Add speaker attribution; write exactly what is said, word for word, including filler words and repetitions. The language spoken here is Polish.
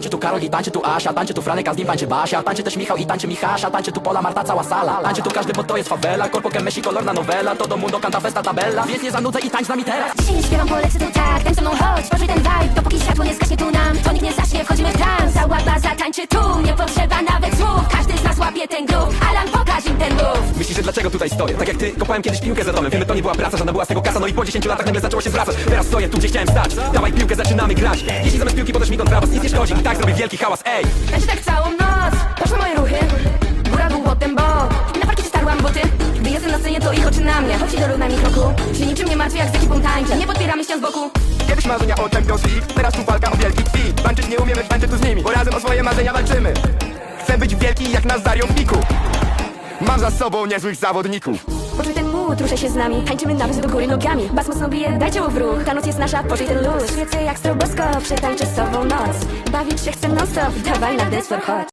Speaker 1: Tańczy tu Karol i tańczy tu Asia, tańczy tu Franek, a z nim tańczy Basia. Tańczy też Michał i tańczy Michasza, tańczy tu Pola, Marta, cała sala. Tańczy tu każdy, bo to jest favela. Corpo que Messi, kolorna novela. Todo mundo canta festa tabella. Więc nie zanudzę i tańcz z nami teraz.
Speaker 2: Dzisiaj nie śpiewam, polecę tu tak. Tańcz ze mną, chodź, poczuj ten vibe. Dopóki światło nie zgaśnie tu nam, to nikt nie zacznie, wchodzimy w trans. Cała baza tańczy tu, nie potrzeba nawet słów. Każdy z nas łapie ten groove. Alan, pokaż im ten move.
Speaker 3: Myślisz, że dlaczego tutaj stoję? Tak jak ty, kopałem kiedyś piłkę za domem. Wiemy, to nie była praca, żadna była z tego kasa. No i po dziesięciu latach nagle zaczęło się zwracać. Teraz stoję tu, gdzie chciałem stać. Dawaj piłkę, zaczynamy grać. Jeśli zamiast piłki podasz mi kontrabas, nic nie szkodzi. I tak zrobię wielki hałas, ej!
Speaker 2: Tańczy tak całą noc, patrz na moje ruchy. Góra, dół, potem bok. Na parkiecie starłam buty. Gdy jestem na scenie, to ich oczy na mnie. Chodź do równa mi kroku. Się niczym nie martwię, jak z ekipą tańczę. Nie podpieramy ścian z boku.
Speaker 4: Kiedyś marzenia o Champions League, teraz tu walka o wielki kwit. Tańczyć nie umiemy, tańczyć tu z nimi, bo razem o swoje marzenia walczymy. Chcę być wielki jak Nazario w piku. Mam za sobą niezłych zawodników.
Speaker 2: Poczuj ten mood, ruszaj się z nami. Tańczymy nawet do góry nogami. Bas mocno bije, daj ciało w ruch. Ta noc jest nasza, poczuj ten luz. Świecę jak stroboskop, przetańczę z sobą noc. Bawić się chcę non stop, dawaj na dance floor, chodź.